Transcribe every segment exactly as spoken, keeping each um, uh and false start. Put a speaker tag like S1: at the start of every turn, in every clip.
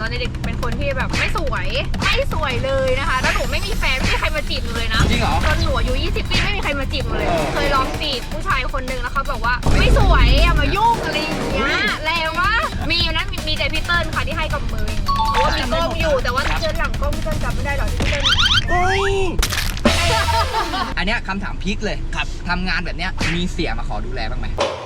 S1: อนเด็กเป็นคนที่แบบไม่สวยไม่สวยเลยนะคะแล้วหนูไม่มีแฟนไม่มีใครมาจีบหนูเลยนะ
S2: จริงเหรอ
S1: จนหนูอายุยี่สิบปีไม่มีใครมาจีบหนูเลยเคยลองจีบผู้ชายคนนึงแล้วเขาบอกว่าไม่สวยอย่ามายุ่งอะไรอย่างเงี้ยแรงวะมีอยู่นั้นมีแต่พี่เติ้ลค่ะที่ให้กับมือเพราะว่ามีกล้องอยู่แต่ว่าเจอหลังกล้องพี่เติ้ลจำไม่ได้หรอกที่พี่เติ้ล
S2: อันเนี้ยคำถามพีคเลยครับทำงานแบบเนี้ยมีเสียมาขอดูแลบ้างไหม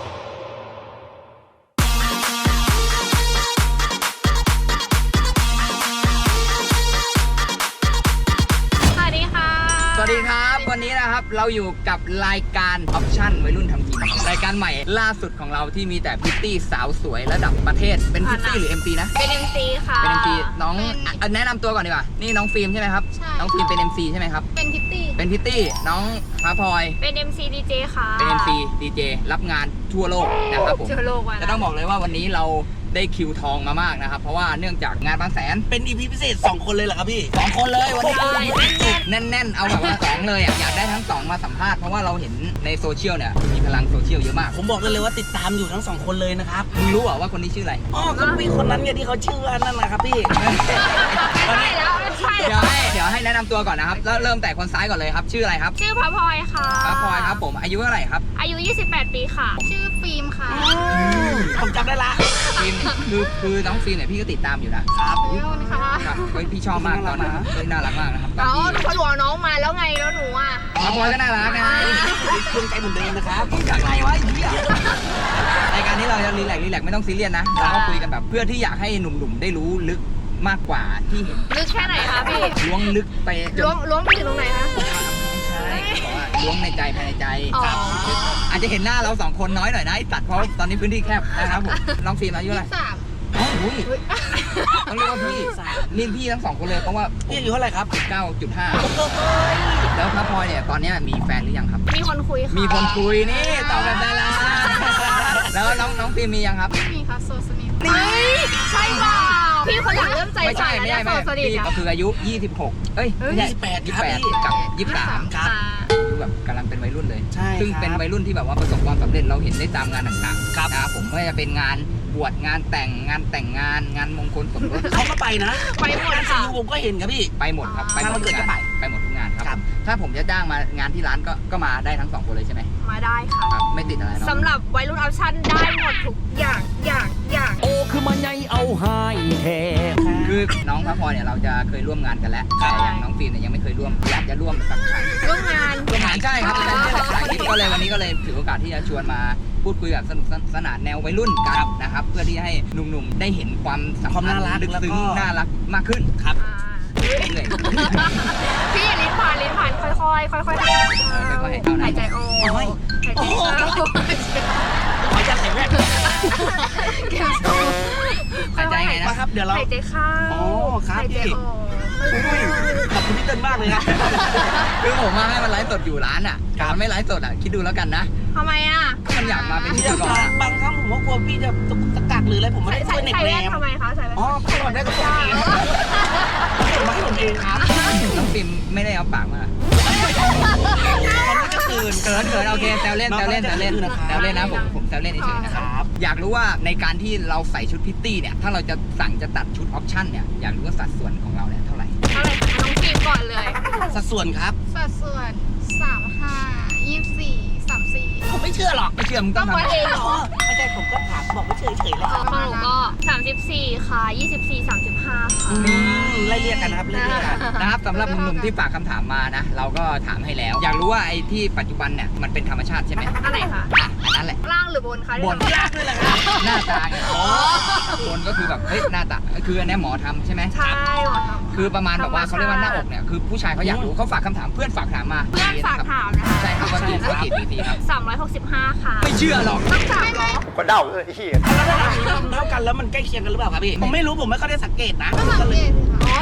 S1: สวัสดีค่ะ
S2: สวัสดีครับวันนี้นะครับเราอยู่กับรายการออปชั่นวัยรุ่นทำกินรายการใหม่ล่าสุดของเราที่มีแต่พิตตี้สาวสวยระดับประเทศเป็นพิตตี้หรือ เอ็ม ซี นะ
S1: เป็น เอ็ม ซี ค่ะ
S2: เป็น เอ็ม ซี น้องแนะนำตัวก่อนดีกว่านี่น้องฟิล์มใช่ไหมครับน้องฟิล์มเป็น เอ็ม ซี ใช่ไหมครับ
S1: เป็นพิตตี้
S2: เป็นพิตตี้น้องพระพลอย
S1: เป็น เอ็ม ซี ดี เจ ค่ะ
S2: เป็น เอ็ม ซี ดี เจ รับงานทั่วโลกนะครับผม
S1: ทั่วโลกว่ะ
S2: จะต้องบอกเลยว่าวันนี้เราได้คิวทองมามากนะครับเพราะว่าเนื่องจากงานบางแสน
S3: เป็น อี พี พิเศษสองคนเลยเหรอครับพี่
S2: สองคนเลยวันนี้
S1: แน่น
S2: แน่นๆเอาแบบว่าสองเลยอ่ะอยากได้ทั้งสองมาสัมภาษณ์เพราะว่าเราเห็นในโซเชียลเนี่ยมีพลังโซเชียลเยอะมาก
S3: ผมบอกได้เลยว่าติดตามอยู่ทั้งสองคนเลยนะครับ
S2: มึงรู้เหรอว่าคนนี้ชื่ออะไร
S3: อ๋อก็พี่คนนั้นไงที่เขาชื่อว่านั่นนะครับพี่
S1: ใช่แล้วใช่
S2: เดี๋ยวให้เดี๋ยวให้แนะนำตัวก่อนนะครับแล้วเริ่มแต่คนซ้ายก่อนเลยครับชื่ออะไรครับ
S1: ชื่อพระพลอยค่ะ
S2: พระพลอยครับผมอายุเท่าไหร่ครับ
S1: อายุยี่สิบแปดปีค่ะชื่อฟิล์มค่ะ
S3: ผมจำได้ละ
S2: ฟิล์มคือคือน้องฟิล์มเนี่ยพี่ก็ติดตามอยู่นะครับ
S1: ขอบคุณค่ะ
S2: ครับพี่ชอบมากตอนนั้นน่ารักมากนะครับ
S1: อ๋อหนูพอหลวงน้องมาแล้วไงแล้วหนูอ่ะ
S2: พระพลอยก็น่ารักนะ
S3: เครื่องใจเหมือนเดิมนะครับจากไหนวะไอ้เหี้ย
S2: รายการนี้เราจะรีแลกซ์รีแลกซ์ไม่ต้องซีเรียสนะเราก็คุยกันแบบเพื่อที่อยากให้หนุ่มๆได้รู้ลึกมากกว่าที่เห็น
S1: ลึกแค่ไหนคะพี่
S2: ล้วงลึกไป
S1: ล้วงล้วงไปถึงตรงไหนคะ
S2: ใช่บอกว่าล้วงในใจภายในใจอาจจะเห็นหน้าเราสองคนน้อยหน่อยนะไอ้ตัดเพราะตอนนี้พื้นที่แคบนะครับผมน้องฟิล์มอายุอะไร
S1: สาม
S2: อ๋ออุ้ยต้องเรียกว่าพี่นี่พี่ทั้งสองคนเลยเพราะว่า
S3: พี่อายุเท่าไหร่ครับ
S2: เก้าจุดห้า แล้วพระพลอยเนี่ยตอนนี้มีแฟนหรือยังครับ
S1: มีคนคุยค่ะ
S2: มีคนคุยนี่ตอบแบบดาราแล้วน้องน้องฟิล์มมียังครับ
S1: ไม่มีค่ะโซสนิทใช่เปล่าพี่คนหลังเริ่มใจ
S2: ไม่ใช่ไม่ใช่ไม่ใช่พี่ก็คืออายุยี่สิบหกเอ้ย
S3: ยี่สิบแปด
S2: ยี่สิบแปดกับยี่สิบสาม
S3: ครับ
S2: คือแบบกำลังเป็นวัยรุ่นเลย
S3: ใช่
S2: ซึ่งเป็นวัยรุ่นที่แบบว่าประสบความสำเร็จเราเห็นได้ตามงานต่างๆ
S3: ครับ
S2: นะครับผมไม่ว่าจะเป็นงานบวชงานแต่งงานแต่งงานงานมงคลสมรส
S3: เขาก็ไปนะ
S1: ไปหมดค่ะ
S3: ผมก็เห็นครับพี่
S2: ไปหมดครับ
S3: ไปหมดทุกงาน
S2: ไปหมดทุกงานครับถ้าผมจะจ้างมางานที่ร้านก็ก็มาได้ทั้งสองคนเลยใช่ไหม
S1: มาได้ค่ะ
S2: ครับไม่ติดอะไรเนาะ
S1: สำหรับวัยรุ่นออปชั่นได้หมดทุกอย่างอย่างอย่าง
S4: โอ้คือมันใหญ่เอาหายแทน
S2: คือน้องพระพรเนี่ยเราจะเคยร่วมงานกันแล้วแต่อย่างน้องฟิล์มเนี่ยยังไม่เคยร่วมอยากจะร่วมสักครั้ง
S1: ร่วมงาน
S2: ร่วมงานใช่ครับก็เลยวันนี้ก็เลยถือโอกาสที่จะชวนมาพูดคุยแบบสนุกสนานแนววัยรุ่นกันนะครับเพื่อที่ให้หนุ่มๆได้เห็นความสัมพันธ์ลึกซึ้งน่ารักมากขึ้น
S3: ครับ
S2: เลย
S1: พี่ลิ้นผ่านลิ้นผ่านค่อยๆค่อยๆค่อยๆหายใจออกหายใจเข้า
S3: หายใจแรก
S1: เก็บโซ่
S2: หายใจไง
S3: นะครับเดี๋ยวเรา
S1: หายใจเข้า
S3: อ๋อครับพี่ขอบคุณพี่เติ้ลมากเลยนะ
S2: คือผมมาให้มันไลฟ์สดอยู่ร้านอ่ะมันไม่ไลฟ์สดอ่ะคิดดูแล้วกันนะ
S1: ทำไมอ่ะ
S2: มันอยากมาเป็นพิธีกร
S3: บางครั้งผมว่ากลัวพี่จะตะกักหรืออะไรผมไม่ได้ช่วยเน็กแรม
S1: ทำไมคะใส่
S3: อ๋อก่อนได้ก็ส่งเองผมมาให้ผมเองครับ
S2: น้องฟิล์มไม่ได้เอาปากมา
S3: เขาไม่จะตื่น
S2: เกินเกินโอเคแซวเล่นแซวเล่นแซวเล่นแซวเล่นนะผมผมแซวเล่นเฉยๆนะครับอยากรู้ว่าในการที่เราใส่ชุดพิตตี้เนี่ยถ้าเราจะสั่งจะตัดชุดออปชั่นเนี่ยอยากรู้ว่าสัดส่วนของเราเนี่ยเท่าไหร่
S1: เท่าไหร่น้องฟิล์มก่อนเลย
S3: สัดส่วนครับ
S1: สัดส่วนสามห้ายี่สิบสี่สามสี่
S3: ผมไม่เชื่อหรอก
S2: ไม่เชื่อมึงต้อง
S1: ทำเองเหรอ
S3: ไม่ใช่ผมก็ถามบอกไม่เฉยเฉยแล้ว
S1: ของหนูก็สามสิบสี่ค่ะยี่สิบสี่ สามสิบห้าค่ะ
S3: ไล่เรียกกันนะครับไล่เรียกกัน
S2: นะครับสำหรับหนุ่มๆที่ฝากคำถามมานะเราก็ถามให้แล้วอยากรู้ว่าไอ้ที่ปัจจุบันเนี่ยมันเป็นธรรมชาติใช่ไหม
S1: อันไหนคะ
S2: อ่ะอันนั้นแหละ
S1: ล่างหรือบนคะ
S2: บน
S3: ล่างด้วยแหละครับ
S2: หน้าตาไงอ๋อบนก็คือแบบเฮ้ยหน้าตาคืออันนี้หมอทำใช่ไหม
S1: ใช่หมอทำ
S2: คือประมาณแบบว่าเขาเรียกว่าหน้าอกเนี่ยคือผู้ชายเขาอยากรู้เขาฝากคำถามเพื่อนฝากถามมา
S1: เพื่อนฝากถามนะคะ
S2: ใช่ครับว่ากี่ว่ากี่ปีครับ
S1: สามร้อยหกสิบห้าค่ะ
S2: ไม่เชื่อหรอก
S1: ต้องถามเหรอ
S3: ก็เดาเลยเฮียแล้วถ้าเท่ากันแล้วมันใกล้เคียงกันหรือเปล่าครับพี่ผมไม่รู้ผมไม่ค่อยได้สังเกตนะ
S1: ก็สังเกต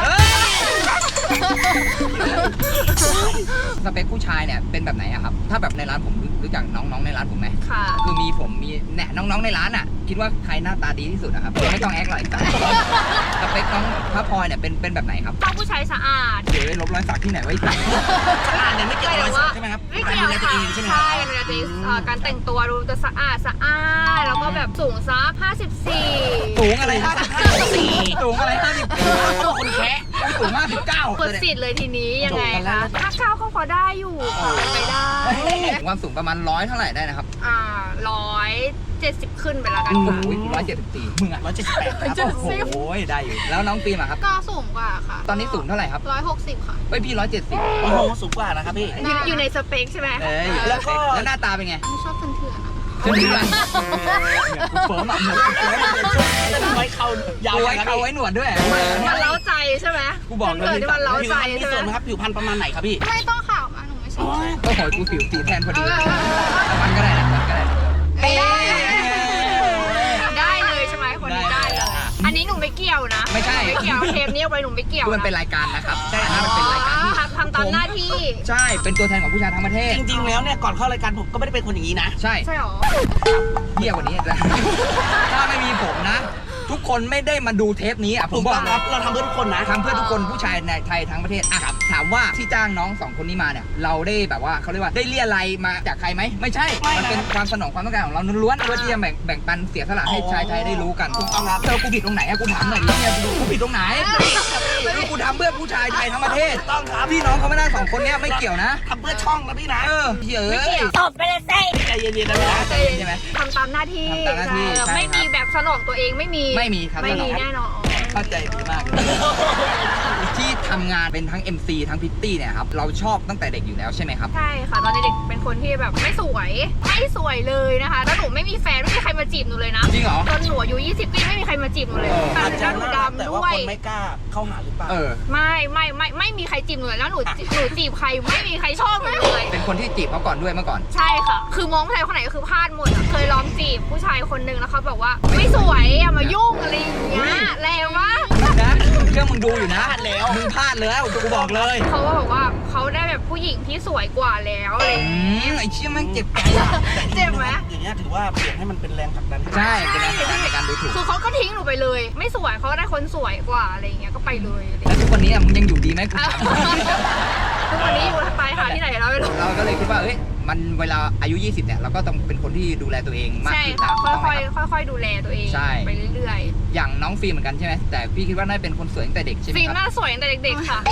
S2: สเปคผู้ชายเนี่ยเป็นแบบไหนอะครับถ้าแบบในร้านผมรู้จักน้องๆในร้านผมไหม
S1: ค่ะ
S2: คือมีผมมีเนี่ยน้องๆในร้านอะคิดว่าใครหน้าตาดีที่สุดนะครับไม่ต้องแอคหรอกสเปคน้องพระพลอยเนี่ยเป็นเป็นแบบไหนครับ
S1: ต้องผู้ชายสะอาด
S2: เดี๋ยวลบรอยสักที่ไหนไว้สัก
S3: สะอาดเนี่ยไม่เกี่ยวกับรอยสักใช่ไหมครับ
S1: ไม่เกี่ยวค่ะใช่ดูแลตัวเองการแต่งตัวดูจะสะอาดสะอาดแล้วก็แบบสูงซักห้าสิบสี่
S2: สูงอะไรห้าสิบสี่สูงอะไรห้าสิบสี่
S1: สิทธิ์เลยทีนี้ยังไง
S3: จบกันแล้
S1: คะ
S3: ว
S1: ถ้าเก้าก็พอได้อยู่ค่ะไปได้
S2: ความสูงประมาณร้อยเท่าไหร่ได้นะครับ
S1: อ่าร้อยเจ็ดสิบขึ้นไปแล้วกัน
S2: โอ้
S1: ค่ะ
S2: โหร้อยเจ็ดสิบสี่มึงอ่ะ
S3: ร้อยเจ็ดสิบแปดครับ
S1: เจ็ดสิบ
S2: โอ้โหได้อยู่แล้วน้องฟิล์มอะครับ
S1: ก็สูงกว่าค่ะ
S2: ตอนนี้สูงเท่าไหร่ครับ
S1: ร้อยหกสิบค่ะ
S2: เฮ้ยพี่ร้อยเจ็ดสิบ
S3: โอ้โหสูงกว่านะครับพี่
S1: อยู่อยู่ในสเปคใช่ไหม
S2: เอ้ย
S3: แล้วก็
S2: แล้วหน้าตาเป็นไง
S1: ไม่ชอบเถื่อนๆอะ
S2: เชื่อไหมกูเฟิร์มอ่ะเหมือนกูเฟิร์มอะ
S3: ไว้เขายาว
S2: กูไว้
S3: นะครับ
S2: เขา
S3: พี่
S2: ไว้หนวดด้วย
S1: มันเล้าใจใช่ไหม
S2: กูบอกเลย
S1: เกิดที่มันเล้า
S3: ผิว
S1: ใจ
S3: พรรณมี
S1: ใช่
S3: ส่วน
S1: ไห
S3: ไห
S1: ม
S3: มครับผิวพรรณประมาณไหนครับพี่
S1: ไม่ต้องข่าวมาหนูไม่ชอบ
S2: ก็ขอกูผิวสีแทนพอดีแต่มันก็ได้นะมันก็ได้นะ
S1: ไม่ได้ได้เลยใช่ไหมคนนี้
S2: ได้
S1: ได้
S2: เลย
S1: เลย
S2: อ่ะ
S1: อันนี้หนูไม่เกี่ยวนะ
S2: ไม่ใช่
S1: ไม่เกี่ยวเทปนี้เอาไว้หนูไม่เกี่ยว
S2: คือมันเป็นรายการนะครับใช่ครับมันเป็นรายการที่
S1: ทำทำตามหน้าที่
S2: ใช่เป็นตัวแทนของผู้ชายทั้งประเทศ
S3: จริงๆแล้วเนี่ยก่อนเข้ารายการผมก็ไม่ได้เป็นคนอย่างนี้นะ
S2: ใช่
S1: ใช่หรอ
S2: เที่ยกว่านี้จะถ้าไม่มีผมนะ ทุกคนไม่ได้มาดูเทปนี้อ่ะผ
S3: ถู
S2: ม
S3: ก
S2: บอ
S3: ต้
S2: ก
S3: องค
S2: นะ
S3: รับเราทำเพื่อทุกคนนะ
S2: ทำเพื่อทุกคนผู้ชายในไทยทั้งประเทศอ่ะครับถามว่าที่จ้างน้องสองคนนี้มาเนี่ยเราได้แบบว่าเขาเรียกว่าได้เรียอะไรยมาจากใครไหมไม่ใช่
S3: ไม่นะ
S2: มันเป็นความสนองความต้องการของเราล้วนๆเพื่อที่จะแบ่งแบ่งปันเสียสละให้ชายไทยได้รู้กัน
S3: ถูกต้องครับ
S2: เธอกูผิดตรงไหนอะกูถามหน่อยดิเนี่ยกูผิดตรงไหนคือกูทำเพื่อผู้ชายไทยทั้งประเทศ
S3: ถูกต้องครับ
S2: พี่น้องเขาไม่ได้สองคนเนี้ยไม่เกี่ยวนะ
S3: ทำเพื่อช่องนะพี่นะ
S2: เออเฮ้ย
S1: ไม่เกี่ยว
S5: ตบไปเลยสิ
S3: ใจเย็นๆนะพี่นะ
S2: ใจเย็นใช่ไหม
S1: ทำตามหน้าที่
S2: ทำตามหน้าที่
S1: เออ
S2: ใช่
S1: ไม่มี
S2: ครับ
S1: แบบสนองตัวเองไม่มี
S2: ไม่มีครับ
S1: ไม่มี
S2: สนอง
S1: แน่นอน
S2: เข้าใจดีมากเลยที่ทำงานเป็นทั้ง เอ็ม ซี ทั้งพิตตี้เนี่ยครับเราชอบตั้งแต่เด็กอยู่แล้วใช่ไหมครับ
S1: ใช่ค่ะตอนเด็กๆเป็นคนที่แบบไม่สวยไม่สวยเลยนะคะแล้วหนูไม่มีแฟนไม่มีใครมาจีบหนูเลยนะ
S2: จริงเหรอ
S1: จนหนูอายุยี่สิบปีไม่มีใครมาจีบหนูเลย
S2: เออ
S1: แต่
S3: อาจจะ
S1: แล้วหนู
S3: น่ารัก
S1: ดำ
S3: แต่
S1: ด้
S3: ว่า
S1: วย
S3: คนไม่กล้าเข้าหาหรือเปล่า
S2: เออ
S1: ไม่ไม่ไม่ไม่มีใครจีบหนูเลยแล้วหนูหนูจีบใครไม่มีใครชอบหนูเลย
S2: เป็นคนที่จีบเขาก่อนด้วยเมื่อก่อน
S1: ใช่ค่ะ คือมองผู้ชายคนไหนก็คือพลาดหมดอะเคยลองจีบผู้ชายคนหนึ่งแล้วเขาบอกว่าไม่สวยอย่ามายุ่งอะไรอย่างเงี้ยแรงมาก
S2: นะเครื่องมึงดูอยู่นะ
S3: พลาดแล้ว
S2: มึงพลาดแล้วกูบอกเลย
S1: เขาก็บอกว่าเขาได้แบบผู้หญิงที่สวยกว่าแล้วอะไรอย่าง
S2: อื
S1: เงี้ย
S2: มไอ้เชี่ยแม่งเจ็บใจอ่ะ
S1: เจ็บไหม
S3: อย่างเงี้ยถือว่าเปลี่ยนให้มันเป็นแรงผลักดัน
S2: ใช่เป็นแรงผลักดันในการดูถูก
S1: คือเขาก็ทิ้งหนูไปเลย ไม่สวยเขาได้คนสวยกว่าอะไรอย่างเงี้ยก็ไปเลยอะไรอย่าง
S2: แล้ว
S1: เงี้ย
S2: ทุกวันนี้อะมึงยังอยู่ดีไหมกูถาม
S1: ทุกวันนี้อยู่ตายหาที่ไหนแล้วไม่รู้
S2: เราก็เลยคิดว่าเอ้ยมันเวลาอายุยี่สิบเนี่ยเราก็ต้องเป็นคนที่ดูแลตัวเองมาก
S1: ใช่
S2: ขึ้น
S1: ค่ะ
S2: นะ
S1: ค่
S2: ต้องไหม
S1: อย
S2: ครับ
S1: ๆค่อยๆดูแลตัวเอง
S2: ใช่
S1: ไปเรื่อย
S2: อย่างน้องฟิล์มเหมือนกันใช่ไหมแต่พี่คิดว่าน่าจะเป็นคนสวยตั้งแต่เด็กใช่ไห
S1: ๆ
S2: ม
S1: ฟิล์ม
S2: ค
S1: ห
S2: รับ
S1: น้าสวยตั้งแต่เด็กๆค่ะ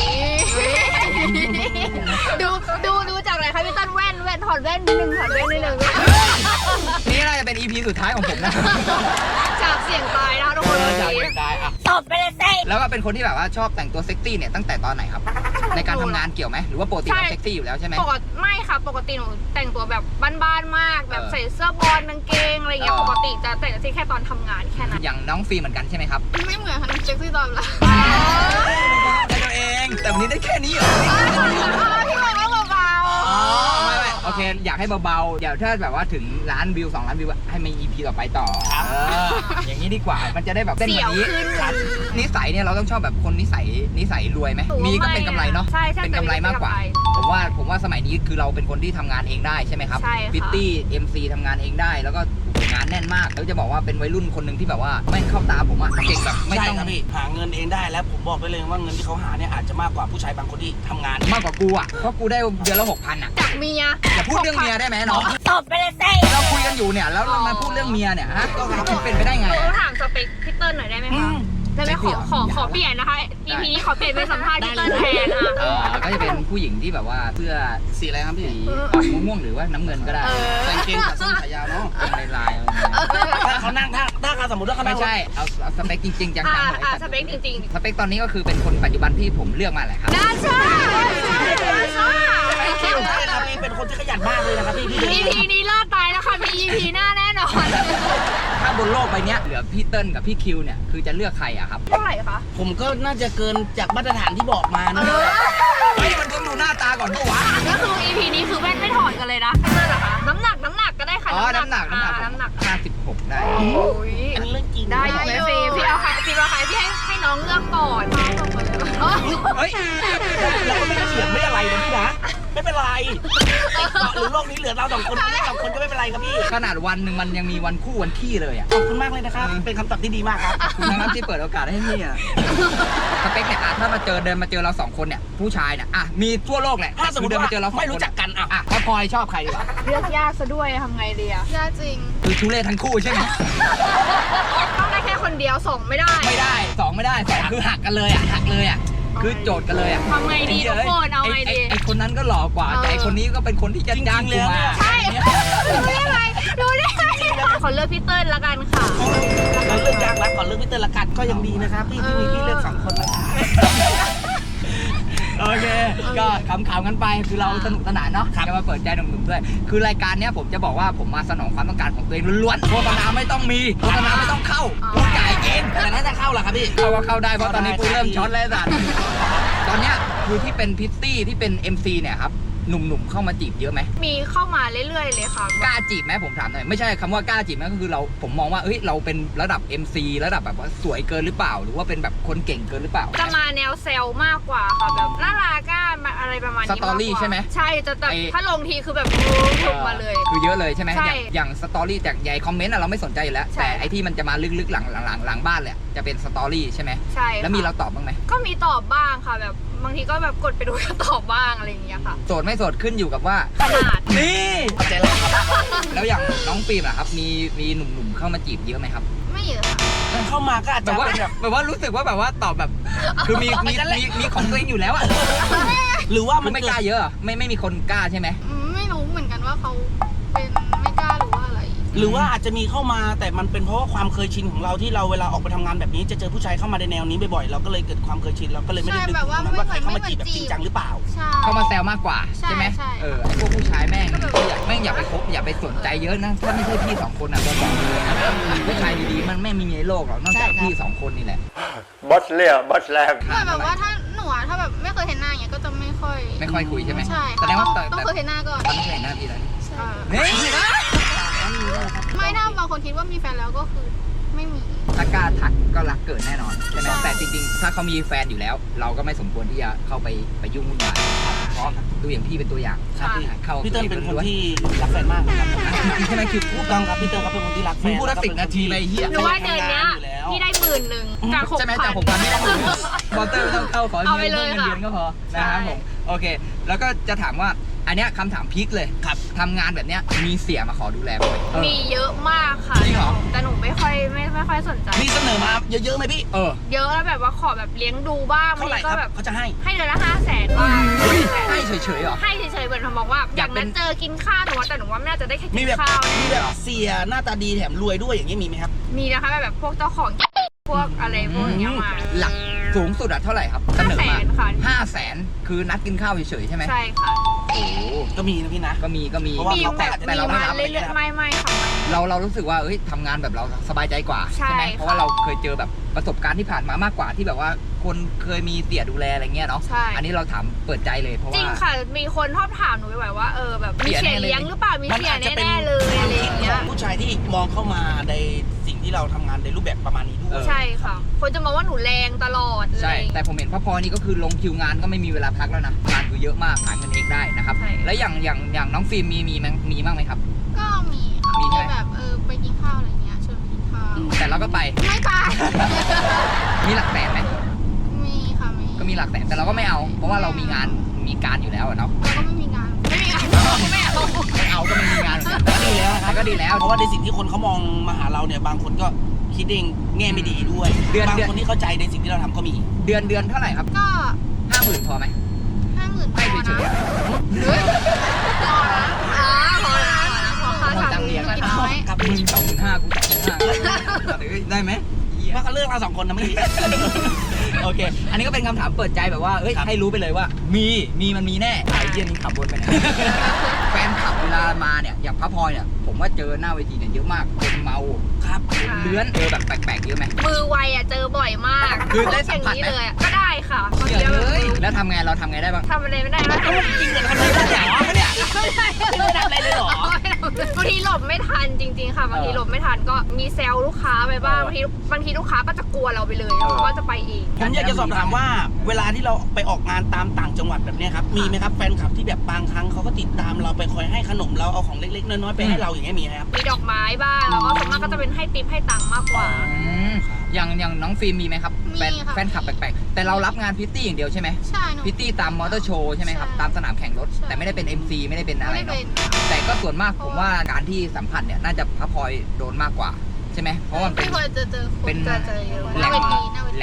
S1: ดูดูดูจากไหนคะพี่ต้นแว่นแว่นถอดแว่นนิดนึงถอดแว่นนิดนึง
S2: นี่น่าจะเป็น อี พี สุดท้ายของผมนะ
S1: จากเสียงตายนะคะทุกคน
S2: เออ
S1: วัน
S2: จาก
S1: นี้
S2: เด็กได้อะ
S5: ตบไปเลยสิ
S2: แล้วก็เป็นคนที่แบบว่าชอบแต่งตัวเซ็กซี่เนี่ยตั้งแต่ตอนไหนครับ ในการทำงานเกี่ยวไหมหรือว่าปกติเราเซ็กซี่อยู่แล้วใช่ไหม
S1: ปกติไม่ค่ะปกติหนูแต่งตัวแบบบ้านๆมากแบบ
S2: เออ
S1: ใส่เสื้อบอลกางเกงอะไรอย่างเงี้ย
S2: เออ
S1: ปกติจะแต่งเซ็กซี่แค่ตอนทำงานแค่นั้น
S2: อย่างน้องฟิล์มเหมือนกันใช่ไหมครับ
S1: ไม่เหมือนค่ะเซ็กซี่ตอนละ
S2: ได้ตัวเองแต่วันนี้ได้แค่นี้เหรอ
S1: พี่บอกว่าเบา
S2: อ๋อไม่ไม่โอเคอยากให้เบาๆเดี๋ยวถ้าแบบว่าถึงล้านวิวสองล้านวิวให้มี อี พี ต่อไปต่อเอออย่างนี้ดีกว่ามันจะได้แบบ
S1: ๆ
S2: เต้น
S1: เสี
S2: แบ
S1: ยว
S2: บนี้
S1: ขึ้น
S2: ครับนิสัยเนี่ยเราต้องชอบแบบคนนิสัยนิสัยรวยไหม
S1: หนูว่า
S2: มีก็เป็นกำไรเนาะ
S1: ใช่ใช่
S2: เป็นกำไรมากกว่า
S1: เป็นกำไร
S2: ผมว่าผมว่าสมัยนี้คือเราเป็นคนที่ทำงานเองได้ใช่ไหมครับ
S1: ใช่ค่ะ
S2: ฟิตตี้ เอ็ม ซี ทำงานเองได้แล้วก็งานแน่นมากแล้วจะบอกว่าเป็นวัยรุ่นคนหนึ่งที่แบบว่าแม่งเข้าตาผมอะเก่งแบบไม่
S3: ใช่
S2: ต้อง
S3: ครับพี่หาเงินเองได้แล้วผมบอกไปเลยว่าเงินที่เขาหาเนี่ยอาจจะมากกว่าผู้ชายบางคนที่ทำงาน
S2: มากกว่ากูอะเพราะกูได้เดือนละหกพันอะ
S1: จากเมีย
S2: อย่าพูดเรื่องเมียได้ไหมน้อง
S5: ตบไปเลยสิ
S2: เราคุยกันอยู่เนี่ยแล้วเรามาพูดเรื่องเมียเนี่ยฮะเป็นไปได้ไง
S1: หนู
S2: อะ
S1: ถามสเปคพี่เติ้ลหน่อยได้ไหม
S3: อื
S1: คะ
S3: ม
S1: ได้ไหมขอขอขอ
S2: ได้
S1: เปลี่ยนนะคะ อี พี นี้ขอเปลี่ยนเป็นสัมภาษณ์พี่เติ้ลแทนอ่ะ
S2: เออก็จะเป็นผู้หญิงที่แบบว่าเสื้อ
S3: สีอะไรครับพี่
S2: สีออกม่วงๆหรือว่าน้ำเงินก็ได้
S1: เออ
S3: ใส่กางเกงขาสั้นขายาวเนาะ
S2: เป็นลายๆอะไรเงี้ย
S3: ถ้าเขานั่งถ้าถ้าเขาสมมติว่าเขานั่
S2: ไม่
S3: ง
S2: ใช่เอาเอาสเปคจริงๆจัง
S1: อ่า
S2: ๆเลย
S1: อ่าสเปคจริง
S2: สเปคตอนนี้ก็คือเป็นคนปัจจุบันที่ผมเลือกมาแหละครับ
S1: ๆน่าใช่น่าใช่
S3: ใช่ครับพี่เป็นคนที่ขยันมากเลยนะครับพี่พี่
S1: อี พี นี้รอดตายแล้วค่ะ มี อี พี หน้าแน่นอน
S2: ถ้าบนโลกใบเนี้ยเหลือพี่เติ้ลกับพี่คิวเนี่ยคือจะเลือกใครอะครับ
S1: เท่าไหร่คะ
S3: ผมก็น่าจะเกินจากมาตรฐานที่บอกมานะ
S2: เฮ้ยมันต้องดูหน้าตาก่อนปะวะ
S1: ก็คือ อี พี นี้คือแว่นไม่ถอดกันเลยนะนั่นเหรอคะน้ำหนักน้ำหนักก็ได้ค่ะ
S2: อ๋อน้ำหนักน้ำหนัก
S1: อ่าน้ำหนัก
S2: ห้าสิบหกได้
S1: โอ้ย
S3: อันนี้เรื่องจริง
S1: ได้อยู่ไหมเฟย์พี่เอาใครพี่เอาใครพี่ให้ให้น้องเลือกก่อนน้องบอกก่อนเลยว่า
S2: เฮ้ย
S3: เราก็ไม่ได้เถียงไม่อะไรนะพี่นะไม่เป็นไรติดเกาะหรือโลกนี้เหลือเราสองคนเราสองคนก็ไม่เป็นไรครับพี่
S2: ขนาดวันหนึ่งมันยังมีวันคู่วันขี้เลยอะ
S3: ขอบคุณมากเลยนะครับเป็นคำตอบที่ดีมากครับ
S2: คุณนะครับที่เปิดโอกาสให้พี่อะสเปคเนี่ยอะถ้ามาเจอเดินมาเจอเราสองคนเนี่ยผู้ชายเนี่ยอะมีทั่วโลกแหละ
S3: ถ้าสมมติ
S2: เดิน
S3: ว่า
S2: มาเจอเราสองคน
S3: ไม่รู้จักกันอ่ะ
S2: อะถ้าพลอยชอบใครดีกว่า
S1: เลือกยากซะด้วยทำไงดีอะยากจริง
S2: คือทุเรศทั้งคู่ใช่ไหม
S1: ต้องได้แค่คนเดียวส่งไม่ได้
S2: ไม่ได้สองไม่ได้สองคือหักกันเลยอ่ะหักเลยอ่ะคือโจทย์กันเลยอะ
S1: ทำไงดีทุกคนเอาไงดี
S2: ไอ้คนนั้นก็หล่อกว่าแต่ไอ้คนนี้ก็เป็นคนที่จะจ้างกูมา
S1: ใช่รู้ได้ไงรู้ได้ไงขอเลือกพี่เติ้ลละกันค่ะ
S3: เราเลือกยากแล้วก่อนเลือกพี่เติ้ลละกันก็ยังดีนะครับพี่ที่มีพี่เลือกสองคนนะครับ
S2: โอเค ก็ขำๆกันไปคือเราสนุกสนานเนาะจะมาเปิดใจหนุ่มๆด้วย คือรายการเนี้ยผมจะบอกว่าผมมาสนองความต้องการของตัวเองล้วนๆโฆษณาไม่ต้องมีโฆษณาไม่ต้องเข้ากูจ่ายเอง
S3: แต่น่าจะเข้าเหรอครับพี่
S2: เข้าก็เข้าได้เพราะตอนนี้กูเริ่มช็อตแล้วสัตว์ตอนเนี้ยคือที่เป็นพิตตี้ที่เป็น เอ็ม ซี เนี่ยครับหนุ่มๆเข้ามาจีบเยอะไหม
S1: มีเข้ามาเรื่อยๆเลยค่ะ
S2: กล้าจีบไหมผมถามหน่อยไม่ใช่คำว่ากล้าจีบนะก็คือเราผมมองว่าเอ้ยเราเป็นระดับ เอ็ม ซี ระดับแบบว่าสวยเกินหรือเปล่า หรือว่าเป็นแบบคนเก่งเกินหรือเปล่า
S1: จะมาแนวเซลมากกว่าค่ะแบบน่ารักก้าอะไรประมาณนี้
S2: สตอรี่
S1: ากกว่า
S2: ใช่ไหม
S1: ใช่จะแต่
S2: ไอ้
S1: ถ้าลงทีคือแบบลงมาเลย
S2: คือเยอะเลยใช่ไหม
S1: ใช่
S2: อย่างอย่างสตอรี่จากใหญ่คอมเมนต์อะเราไม่สนใจอยู่แล้ว
S1: ใช่
S2: แต่ไอที่มันจะมาลึกๆหลังหลังหลังบ้านแหละจะเป็นสตอรี่ใช่ไหม
S1: ใช่
S2: แล้วมีเราตอบบ้างไหม
S1: ก็มีตอบบ้างค่ะแบบบางทีก็แบบกดไปดูก็ตอบบ้างอะไรอย่างเงี้ยค่ะ
S2: โสดไม่โสดขึ้นอยู่กับว่า
S1: ขนาด
S2: นี่
S3: เข้าใจแล้วครับ
S2: แล้วอย่างน้องฟิล์มล่ะครับมีมีหนุ่มๆเข้ามาจีบเยอะไหมครับ
S1: ไม่เยอะค่ะ
S3: เข้ามาก็อาจ
S2: แบ
S3: จะ
S2: บว่า
S3: เป็นแบบ
S2: แบบว่ารู้สึกว่าแบบว่าตอบแบบ คือมีมีมีมีของตัวเองอยู่แล้วอะ
S3: หรือว่า
S2: มั
S3: มัน น
S2: ไม่
S3: เกิ
S2: กล้า
S3: ด
S2: เยอะเหรอไม่ไม่มีคนกล้าใช่ไหม
S1: อืมไม่รู้เหมือนกันว่าเขาเป็นไม่กล้าหรือว่าอะไร
S3: หรือว่าอาจจะมีเข้ามาแต่มันเป็นเพราะว่าความเคยชินของเราที่เราเวลาออกไปทำงานแบบนี้จะเจอผู้ชายเข้ามาในแนวนี้บ่อยๆเราก็เลยเกิดความเคยชินเราก็เลยไม่ได้นึกถึงตรงนั้นว่าใครเข้ามาจีบแบบจริงจังหรือเปล่า
S1: ใช่
S2: เข้ามาแซวมากกว่า
S1: ใช่
S2: ใช่ไหม
S1: ใช่
S2: เออไอ้พวกผู้ชายแม่ง
S1: ก็แบบ
S2: อยากแม่งอย่าไปคบอย่าไปสนใจเยอะนะถ้าไม่ใช่พี่สองคนอ่ะก็บอกเลยนะผู้ชายดีๆมันไม่มีในโลกหรอกนอกจาก
S3: ใช่ครับ
S2: พี่สองคนนี่แหละ
S5: บอสเลียบอสแรก
S1: แต่แบบว่าถ้าหนูอะถ้าแบบไม่เคยเห็นหน้าอย่างเงี้ยก็จะไม่ค่อย
S2: ไม่ค่อยคุยใช่ไหม
S1: ใช่
S2: แสดงว่า
S1: ต้อง
S2: แต่
S1: ต้อง
S2: แต่
S1: เคยเห็นหน้าก่อน
S2: ตอนนี้เคยเห็นหน้าพี่แล้ว
S1: ใช่
S2: นี่นะ
S1: ไม่ถ้าบางคนคิดว่ามีแฟนแล้วก็คือไม่มี
S2: ถ้ากล้าทักก็รักเกิดแน่นอนใช่ไหมแต่จริงๆ ถ้าเขามีแฟนอยู่แล้ว เราก็ไม่สมควรที่จะเข้าไปไปยุ่งวุ่นวายเพราะดูอย่างพี่เป็นตัวอย่าง
S3: ครับพี่
S2: เข้า
S3: พี่เติ้ลเป็นคนที่รักแฟนมากนะครับ
S2: จริงๆใช่ไหมคือ
S3: ถูกต้องครับพี่เติ้ลครับเป็นคนที่รักแฟ
S2: มึง
S3: น
S2: พูดละสิบนาทีไปเฮีย
S1: หนูว่าเดือนเนี้ยพี่ได้หมื่นหนึ่งจากหก
S2: ใช่ไหม
S1: พั
S2: จาก
S1: น
S2: หกพันไม่ต้องบอลเตอร์ไม่ต้องเข้าขอ
S1: เอาไป
S2: เงิน
S1: เลย
S2: เงิน
S1: ค่ะ
S2: เดือนก็พอ
S1: ใช่
S2: นะครับผมโอเค แล้วก็จะถามว่าอันเนี้ยคำถามพีคเลย
S3: ครับ
S2: ทำงานแบบเนี้ยมีเสียมาขอดูแลไหมเออ
S1: มีเยอะมากค่ะ
S2: จริงเหรอ
S1: แต่หนูไม่ค่อยไม่ไม่ค่อยสนใจ
S3: มีเสนอมาเยอะๆไหมพี่
S2: เออ
S1: เยอะแล้วแบบว่าขอแบบเลี้ยงดูบ้างบา
S3: เท่าง ไหร่
S1: ที
S3: ค
S1: ก็
S3: รับ
S1: แบบ
S3: เขาจะให้
S1: ให้เดือนละห้าแสนบ้าง
S2: เฮ้ยให้เฉยๆเหรอ
S1: ให้เฉยๆเหมือนเขาบอกว่าอยาก ก
S2: อายเป็
S1: นั้น นเจอกินข้าวหนูว่าแต่หนูว่าไม่น่าจะได้แค่
S3: มี
S1: กิน
S3: แบบ
S1: ข้าว
S3: มี
S1: แน่
S3: แบบเสียหน้าตาดีแถมรวยด้วยอย่างนี้มีไหมครับ
S1: มีนะคะแบบพวกเจ้าของพวกอะไรพวกอย่างเงี้ยมา
S2: หลักสูงสุดอะเท่าไหร่ครับเสนอมา
S1: ห้าแสนค่ะ
S2: ห้าแสนคือนัดกินข้าวเฉยๆใช่ไหม
S1: ใช่ค่ะ
S2: โอ้โห
S3: ก็มีนะพี่นะ
S2: ก็มีก็มี
S3: เพราะว่า
S1: มี
S3: เรา
S1: แบบ
S2: แต่
S1: มี
S2: เราไม่
S1: มา
S2: รับ
S1: เรื่อยๆไม่ไม่ค่ะไม่
S2: เราเรารู้สึกว่าเอ้ยทำงานแบบเราสบายใจกว่า
S1: ใช่
S2: ไหม
S1: ค่ะ
S2: เพราะว่าเราเคยเจอแบบประสบการณ์ที่ผ่านมามากกว่าที่แบบว่าคนเคยมีเตี่ยดูแลอะไรเงี้ยเนาะ
S1: ใช่
S2: อันนี้เราถามเปิดใจเลยเพราะ
S1: จริง
S2: ว่า
S1: ค่ะ มีคนชอบถามหนูบ่อยๆว่าเออแบบมี
S2: เสี
S1: เสี
S2: ย
S1: ย
S2: แน่เลย
S1: เลี้ยงหรือเปล่ามี
S3: มัน
S1: เสีย
S3: อาจจะเป็น
S1: แน่ๆเลยอะไรอย่าง
S3: ข
S1: เงี้
S3: อย งผู้ชายที่มองเข้ามาในสิ่งที่เราทำงานในรูปแบบประมาณนี้ด้วย
S1: ใช่ค่ะ คนจะมองว่าหนูแรงตลอดเลย
S2: ใช่ แต่ผมเห็นพ่อพลอยนี่ก็คือลงคิวงานก็ไม่มีเวลาพักแล้วนะงานคือเยอะมากหาเงินเองได้นะครับ
S1: ใช่
S2: แล้วอย่างอย่างอย่างน้องฟิล์มมีมีมั้งมีบ้างไหมครับ
S1: ก็มีค่ะ
S2: มีใช่ไหม
S1: แบบเออไปกินข้าวอะไรเงี้ยชวนไปกินข้าว
S2: แต่เราก็ไป
S1: ไม่ไป
S2: มีหลักแสนไหม
S1: มีค่ะมี
S2: ก็มีหลักแสนแต่เราก็ไม่เอา เพราะว่าเรามีงานมีการอยู่แล้วอะเนาะ
S1: แล้วก็ไม่มีงานไม่มีงานไม่เอา
S2: ไม่เอาก็ไม่มีงานเหมือนกัน
S3: ก็ดีแล้วนะครับ
S2: ก็ดีแล้ว
S3: เพราะว่าในสิ่งที่คนเขามองมาหาเราเนี่ยบางคนก็คิดเองแง่ไม่ดีด้วย
S2: เดือน
S3: บาง
S2: เดือน
S3: คนที่เข้าใจในสิ่งที่เราทำก็มี
S2: เดือนเดือนเท่าไหร่ครับ
S1: ก็
S2: ห้าหมื่นพอไหม
S1: ห้าหมื่น
S2: ให้เฉยๆอะ
S1: เฮ้ยพอละอ๋อพอละพอค่ะ
S2: พอจังเรียน
S1: กินน้อย
S3: ครับ
S2: มึงสองหมื่นห้ากูสองหมื่นห้าได้ไหมเหี้ย
S3: ว่าเขาเลือกเราสองคนนะเมื่อกี้
S2: โอเค อันนี้ก็เป็นคำถามเปิดใจแบบว่าเอ้ย
S3: ครับ
S2: ให้รู้ไปเลยว่า มีมีมันมีแน่ไอ้เหี้ยนี่ขับวนไปไหน แฟนขับเวลามาเนี่ยอย่างพระพลอยเนี่ยผมว่าเจอหน้าเวทีเนี่ยเยอะมากคนเมา
S3: ครับ
S2: คนเลื้อนเจอแบบแปลกๆเยอะไหม
S1: มือไวอ่ะเจอบ่อยมาก
S2: คือได้สัมผัส
S1: อย่าง
S2: ไหม
S1: นี้เลยอะก็ได้ค่ะบาง
S2: เหี้
S1: ที
S2: ย
S1: แบบ
S2: เอ้ยแล้วทำไงเราทำไงได้บ้าง
S1: ทำอะไรไม่ได้แล้ว
S3: จริงเหรอทำอะไรได้เหรอเนี่ย
S1: ไม่ได้
S3: ไม่ได้ทำอะไรเลยเหรอ
S1: บางทีหลบไม่ทันจริง ๆ ค่ะบางทีหลบไม่ทันก็มีเซลล์ลูกค้าไปบ้างบางทีบางทีลูกค้าก็จะกลัวเราไปเลยแล้วเขาก็จะไปเอง
S3: ผมอยากจะสอบถามว่าเวลาที่เราไปออกงานตามต่างจังหวัดแบบเนี้ยครับมีไหมครับแฟนคลับที่แบบบางครั้งเขาก็ติดตามเราไปคอยให้ขนมเราเอาของเล็กๆน้อยๆไปให้เราอย่างเงี้ยมีไหมครับ
S1: มีดอกไม้บ้างแล้วก็ส่วนมากก็จะเป็นให้ติปให้ตังค์มากกว่า
S2: อืมอย่างอย่างน้องฟิล์มมีไหมครับ
S1: มี
S2: แฟน
S1: ค่ะ
S2: แฟนขับแปลกๆแต่เรารับงานพิตตี้อย่างเดียวใช่ไหม
S1: ใช่หนู
S2: พิตตี้ตามมอเตอร์โชว์ใช่ไหมครับ
S1: ใช่
S2: ตามสนามแข่งรถ
S1: ใช่
S2: แต่ไม่ได้เป็น เอ็ม ซี ไม่ได้เป็นอะไร
S1: ไม่
S2: เนาะ
S1: เป็น
S2: แต่ก็ส่วนมากผมว่าการที่สัมผัสเนี่ยน่าจะพระพลอยโดนมากกว่าใช่ไหมเพราะว่ามันเป็น
S1: ไม่เคยเจอเจอค
S2: เป็น
S1: นเจอเจอเยอะห
S2: แหล่
S1: น้าง เวทีหน้าเวที
S2: แหล่ง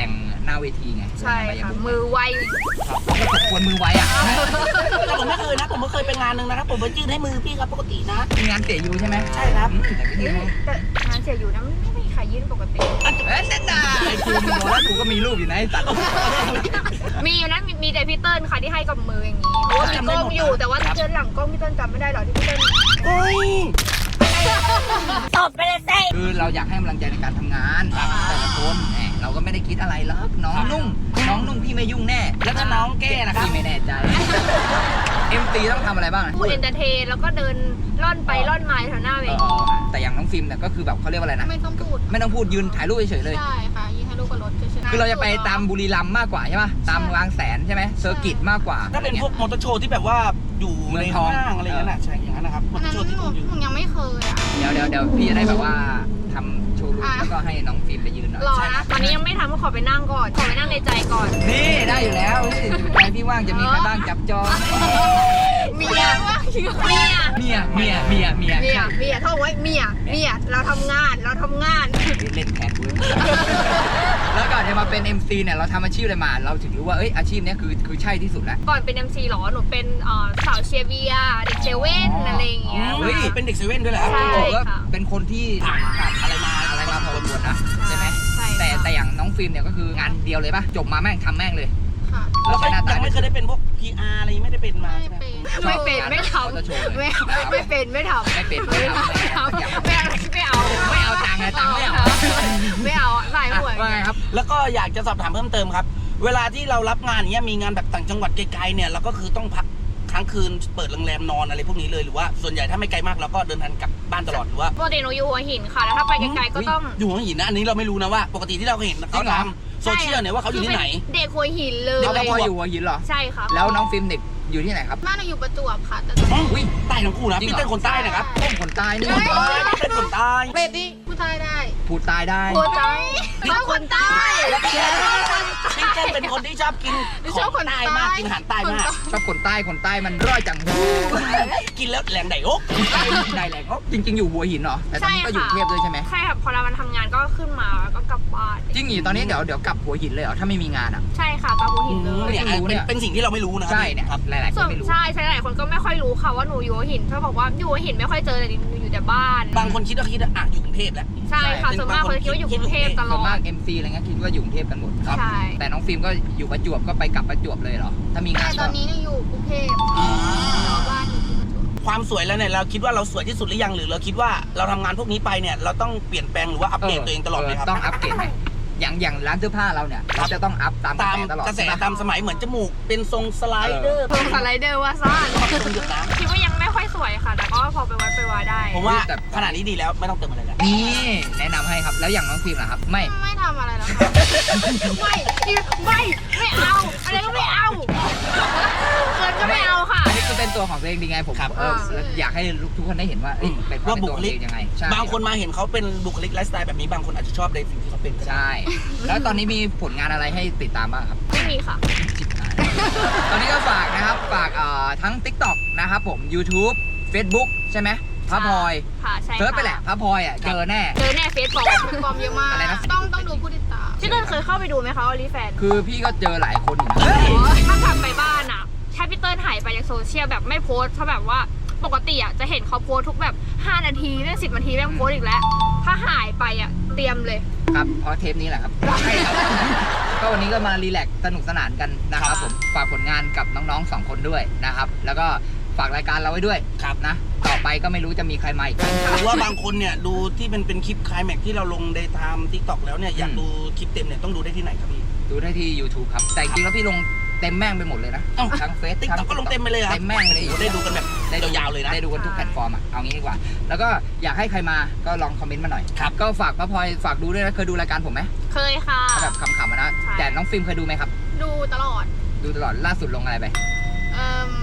S2: หน้าเวทีไง
S1: ใช่ค่ะมือไว
S2: ก็ตกควรมือไวอ่ะ
S3: แต่ผมไม่เคยนะผมไม่เคยไปงานหนึ่งนะครับผมไปยื่นให้มือพี่ครับปกตินะ
S2: มีงานเตะยูใช่ไหม
S3: ใช่ครับ
S2: อืมแต่ไม่
S1: เอ้
S2: ยื่
S1: ย
S2: น
S1: แต่งานเสียอยู่นะไม่มีใครยื่นปกติ
S2: เอ้ยเส้นด่าไอ้กูมึงบอกแล้วกูก็มีรูปอยู่นะไอ้สัตว์
S1: มีอยู่นะมีมีแต่พี่เติ้ลค่ะที่ให้กับมืออย่างนี้เพราะว่ามีกล้องอยู่แต่ว่าเจอหลังกล้องพี่เติ้ลจำไม่ได้หรอที่พี่เติ้ล
S3: เฮ้ย
S1: ตบไปเลยเซ่
S2: คือเราอยากให้กำลังใจในการทำงานแต่ละคนแหมเราก็ไม่ได้คิดอะไรหรอกน้องนุ่งน้องนุ่งพี่ไม่ยุ่งแน่
S3: แล้วถ้าน้องแก้นะครับ
S2: พี่ไม่แน่ใจ เอ็ม ซี ต้องทำอะไรบ้างอะ
S1: พูดเอนเตอร์เทนแล้วก็เดินล่อนไปล่อนมาแถวหน้าเว
S2: เอ
S1: ที
S2: อแต่อย่างน้องฟิล์มเนี่ยก็คือแบบเขาเรียกว่าอะไรนะ
S6: ไม่ต้องพูด
S2: ไม่ต้องพูดยืนถ่ายรูปเฉยๆเลย
S6: ใช่ค่ะยิงให้ลูกกับรถเฉยๆ
S2: คือเราจะไปตามบุรีรัมย์มากกว่าใช่ป่ะตามบางแสนใช่ไหมเซอร์กิตมากกว่า
S3: ถ้าเป็นพวกมอเตอร์โชว์ที่แบบว่าอยู่
S2: เมื
S3: ใน
S2: องทอง
S3: ห้างอะไรอย่างนั้นนะใช่อย่างนั้นนะครับมอ
S6: อัน
S3: เตอ
S6: นั้
S3: ร์
S6: น
S3: โชว์ที่
S6: หนู
S3: คุณอยู่
S6: หนูยังไม่เคยอ่ะ
S2: เดี๋ยวเดี๋ยวเดี๋ยวพี่จะได้แบบว่าทำโชว์รูม
S6: อ่ะ
S2: แล้วก็ให้น้องฟิล์มไปยืนหน่อย
S1: รอนะตอนนี้ยังไม่ทำก็ขอไปนั่งก่อนขอไปนั่งในใจก่อน
S2: นี่ได้อยู่แล้วนี่ใจพี่ว่างจะมีใครบ้างจับจอง
S1: เมียเมีย
S2: เมียเมียเมียเมีย
S1: เมียเมียท่องไว้เมียเมียเราทำงานเราทำงาน
S2: เล่นแทนกูแล้วก่อนจะมาเป็น เอ็ม ซี เนี่ยเราทำอาชีพอะไรมาเราถึงรู้ว่าเอ้ยอาชีพเนี้ยคือคือใช่ที่สุดแล้ว
S1: ก่อนเป็น เอ็ม ซี หรอหนูเป็นเอ่อสาวเชียร์เบียร์เด็กเซเว่นอะไรอย่างเงี้ย
S2: เฮ้ย
S3: เป็นเด็กเซเว่นด้วยเหรอครับ
S1: ใช่
S2: บอกว่า
S1: ค่ะ
S2: เป็นคนที่ผ่านผ่านอะไรมาอะไรมาพอสมควรนะใช่ไหม
S1: ใช่
S2: แต่
S1: ค่ะ
S2: แต่อย่างน้องฟิล์มเนี่ยก็คืองานเดียวเลยป่ะจบมาแม่งทำแม่งเลย
S6: ค่ะ
S3: แล้วก็
S2: ใช้หน้าตา
S3: ยังไม่เคยได้เป็นพวก พี อาร์ อะไรไม่ได้เป็นมา
S6: ไม่
S3: ใช่ไหม
S6: เป็น
S1: ไม่เป็นไม่ทำ
S2: เขาจะโชว์เลย
S1: ไม่ไม่เป็นไม่ทำ
S2: ไม่เป็นไม่
S1: ไม่
S2: ทำไม่
S1: ทำ
S2: ทำ
S1: ไม่เอาไม่เอา
S2: ไม่เอาตังค์ไงตังค์ไม่เอา
S1: ไม่เอาสายหวย
S2: ว่าไงครับ
S3: แล้วก็อยากจะสอบถามเพิ่มเติมครับ เวลาที่เรารับงานอย่างเงี้ยมีงานแบบต่างจังหวัดไกลๆเนี่ยเราก็คือต้องพักค้างคืนเปิดโรงแรมนอนอะไรพวกนี้เลยหรือว่าส่วนใหญ่ถ้าไม่ไกลมากเราก็เดินทางกลับบ้านตลอดหรือว่า
S1: ปกติหนูอยู่หัวหินค่ะแล้วถ้าไปไกลๆก็ต้อง
S3: อยู่หัวหินนะอันนี้เราไม่รู้นะว่า ปกติที่เราเห็นเขาทำโซเชียลเนี่ยว่าเขาอยู่ที่ไหน
S1: เด็กหัวหินเลย
S2: เด็กพออยู่หัวหินเหรอ
S1: ใช่ค่ะ
S2: แล้วน้องฟิล์มเด็กอยู่ที่ไหนครับ
S6: บ้านหนูอยู่ประจวบค่ะแต่
S2: อุ้ย
S3: ใต้ทั้งคู่นะ
S2: จริง
S3: พี่
S2: เหรอ
S3: เต้นคนใต้นะครับ
S2: ต้มคนใต้นี่
S3: คนใต้พี่เต้นคนใต้
S6: เป็ดดิพูดไทยได้
S2: พูดใต้ได้
S1: หัวใจชอบคนใต้
S3: แล้วพี่พี่เต้นเป็นคนที่ชอบกินของใต้มากกินอาหารใต้มาก
S2: ชอบคนใต้คนใต้มันร่อยจัง
S3: กินแล้วแรงไดโอ๊ก
S2: ได้แหละจริง ๆ อยู่หัวหินเหรอแต่ตอนนี้ก็อยู่กรุงเทพด้วยใช่ไหม
S1: ใช่ค่ะพอเรามันทำงานก็ขึ้นมาแล้วก็กลับบ้าน
S2: จริงอยู่ตอนนี้เดี๋ยวเดี๋ยวกลับหัวหินเลยเหรอถ้าไม่มีงานอ่ะ
S1: ใช่ค่ะกลับหัวหินเลย
S3: เนี่ย
S2: ไม่รู้เนี่ย
S3: เป็นสิ่งที่เราไม่รู้นะครับ
S2: ใช่เนี่ย
S3: ครับ
S2: หลายๆค
S1: ส่วน
S2: นไม่รู้
S1: ใช่ใช่หลายคนก็ไม่ค่อยรู้ค่ะว่าหนูอยู่หัวหินเขาบอกว่าอยู่หัวหินไม่ค่อยเจอเลยหนูอยู่แต่บ้าน
S3: บางคนคิดว่าคิดว่าอ่ะอยู่กรุงเทพแล้ว
S1: ใช่ค่ะส่วนมากคนคิดว่าอยู่กรุงเทพตล
S2: ส่วน
S1: อ
S2: มา
S1: ด
S2: ก เอ็ม ซี อะไรเงี้ยคิดว่าอยู่กรุงเทพกันหมดครับ
S1: ใช่
S2: แต่น้องฟิล์มก็อยู่ประจวบก็ไปกลับประจวบเลยเหรอถ้ามีงา
S6: แต่
S2: น
S6: ตอนนี้หนูอยู่กรุงเทพแล้วบ้านอยู่ที่ประจวบ
S3: ความสวยแล้วเนี่ยเราคิดว่าเราสวยที่สุดหรือยังหรือเราคิดว่าเราทำงานพวกนี้ไปเนี่ยเราต้องเปลี่ยนแปลงหรือว่าอัปเดตตัวเองตลอดเลยครับ
S2: ต้องอัปเกรดไหมอย่างอย่างร้านเสื้อผ้าเราเนี่ยเราจะต้องอัพตามกระ
S3: ตาม
S2: แสตลอด
S3: กระแส
S2: ใช่ไหม
S3: ตามสมัยเหมือนจมูกเป็นทรงสไลเดอร์
S1: เพิ่มสไลเดอร์ว่าซ่าน
S3: ทรงหยดน้
S1: คิดว่ายังไม่ค่อยสวยค่ะ แต่ก็พอไปวัดไปวาได้
S3: ำผมว่าขนาดนี้ดีแล้วไม่ต้องเติมอะไรแล้ว
S2: นี่แนะนำให้ครับแล้วอย่างน้องฟิล์มล่ะครับไม่
S6: ไม่ทำอะไรแล้วค่ะ
S1: ไม่ไม่ไม่เอาอะไรก็ไม่เอาเกินก็ไม่เอาค่ะ
S2: อันนี้คือเป็นตัวของตัวเองดีไงผม
S3: ครับ
S2: เอออยากให้ทุกคนได้เห็นว่าเอ้ยเป็นความ
S3: ว่า
S2: เป็น
S3: บุ
S2: ตัว
S3: ค
S2: ของ
S3: ลิ
S2: ตัว
S3: ก
S2: เองยังไงใช่
S3: บางคนมาเห็นเขาเป็นบุคลิกไลฟ์สไตล์แบบนี้บางคนอาจจะชอบในสิ่งที่เขาเป็นก็ได้
S2: ใช่ แล้วตอนนี้มีผลงานอะไรให้ติดตามบ้างครับ
S1: ไม่มีค่ะ
S2: ชิบหายตอนนี้ก็ฝากนะครับฝากเอ่อทั้ง TikTok นะครับผม YouTube Facebook ใช่ไหมพระพลอย
S1: ค่ะใช่ค่ะ
S2: เซิร์ชไปแหละพระพลอยอ่ะเจอแน่
S1: เจอแน่เฟซบุ๊ก
S6: เป็นปลอมเยอะมาก
S2: อะไรนะ
S6: ต้องต้องดูผู้ติดตาม
S1: พี่เติ้ลเคยเข้าไปดูไหมคะออลิแฟน
S2: คือพี่ก็เจอหลายคนอยู่นะ
S1: ถ้ากลับไปบ้านอ่ะแค่พี่เติ้ลหายไปจากโซเชียลแบบไม่โพสต์ถ้าแบบว่าปกติอ่ะจะเห็นเขาโพสต์ทุกแบบห้านาทีเรื่องสิบนาทีแม่งโพสต์อีกแล้ว ถ้าหายไปอ่ะเตรียมเลย
S2: ครับเพราะเทปนี้แหละครับใช่ครับก็วันนี้ก็มารีแลกซ์สนุกสนานกันนะครับผมฝากผลงานกับน้องๆสองคนด้วยนะครับแล้วก็ฝากรายการเราไว้ด้วย
S3: ครับ
S2: นะต่อไปก็ไม่รู้จะมีใครมาอีก
S3: หรือว่าบางคนเนี่ยดูที่เป็นเป็นคลิปคลายแม็กที่เราลงในไทม์ทิกตอกแล้วเนี่ยอยากดูคลิปเต็มเนี่ยต้องดูได้ที่ไหนครับพี่
S2: ดูได้ที่ YouTube ครับแต่จริงๆแล้วพี่ลงเต็มแม่งไปหมดเลยนะ
S3: เอ้า
S2: ทั้งเฟซ
S3: TikTok ก็ลงเต็มไปเลยเหรอ
S2: เต็มแม่งไปเลย
S3: โอ้โหได้ดูกันแบบยาวๆเลยนะ
S2: ได้ดูกันทุกแพลตฟอร์มอ่ะเอางี้ดีกว่า แล้วก็อยากให้ใครมาก็ลองคอมเมนต์มาหน่อย
S3: ครับ
S2: ก็ฝากพระพลอยฝากดูด้วยนะเคยดูรายการผมไหม
S1: เคยค่ะ
S2: เอาแบบขำๆอะนะ
S1: ใช่
S2: แต่น้องฟิล์มเคยดูไหมครับ
S6: ดูตลอด
S2: ดูตลอดล่าสุดลงอะไรไป
S6: เอ่ม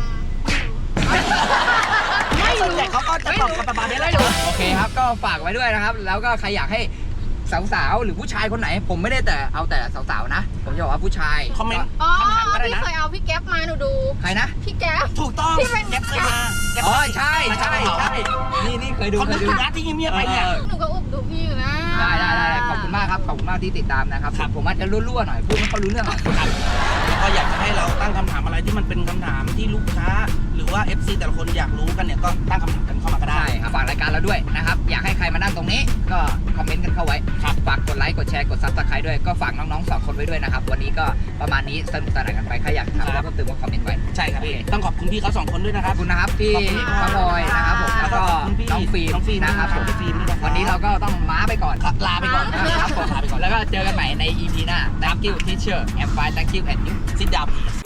S3: ไม่ส่วนใหญ่เขาก็จะตอบกับประมาณนี้แหละ
S2: โอเคครับก็ฝากไว้ด้วยนะครับ แล้วก็ใครอยากให้สาวๆหรือผู้ชายคนไหน ผมไม่ได้แต่เอาแต่สาวๆนะ ผมจะบอกว่าผู้ชาย
S3: คอมเมนต์
S6: อ๋อ
S3: คำถามก็ได้
S6: พี่
S3: นะ
S6: เคยเอาพี่แก๊ปมาหนูดู
S2: ใครนะ
S6: พี่แก๊ป
S3: ถูกต้อง
S6: ที่เป็น
S3: แก๊ปเคยมาแก๊ป
S2: อ๋อใช่ใช่ใช่นี่นี่เคยดู
S3: เขา
S2: เค
S3: ดู
S2: ยดู
S3: นะที่เงียบๆไปเนี่ย
S2: ออ
S6: หนูก็อุบดูพี่อยู่นะ
S2: เอได้ได้ได้ขอบคุณมากครับขอบคุณมากที่ติดตามนะครับ
S3: ครับ
S2: ผมอาจจะรั่วๆหน่อยพูดไม่ค่อยรู้เรื่องหรอก
S3: ครับแล้วก็อยากจะให้เราตั้งคำถามอะไรที่มันเป็นคำถามที่ลูกค้า หรือว่า เอฟ ซี แต่ละคนอยากรู้กันเนี่ยก็ตั้งคำถามกันเข้ามาก็ได้
S2: ใช่ครับฝากรายการเราด้วยนะครับอยากให้ใครมานั่งตรงนี้ก็คอมเมนต์กันเข้าไว้ครับฝากกดไลค์กดแชร์กดซับสไครต์ด้วยก็ฝากน้องๆสองคนไว้ด้วยนะครับวันนี้ก็ประมาณนี้สนุกสนานกันไปใครอยากถามอะไรเพิ่มเติมก็คอมเมนต์ไว้
S3: ใช่ครับ
S2: โอเค
S3: ต้องขอบคุณพี่เขาสองคนด้วยนะค
S2: ข
S3: รั
S2: อ
S3: บบ
S2: คุณนะครับพี่
S3: ขอบคุณครับ
S2: พระบอยนะครับผมแล้วก็
S3: ขอบคุณพี่
S2: น้องฟิล์ม
S3: น้องฟิล์ม
S2: นะครับผม
S3: พี่ฟิล์มด้วยนะครับ
S2: วันนี้เราก็ต้องม้าไปก่อน
S3: ครับลาไปก่อน
S2: นะครับผม
S3: ลาไปก่อน
S2: แล้วก็เจอกันใหม่ใน อี พี หน้า thank you teacher and bye thank you and you
S3: sit down please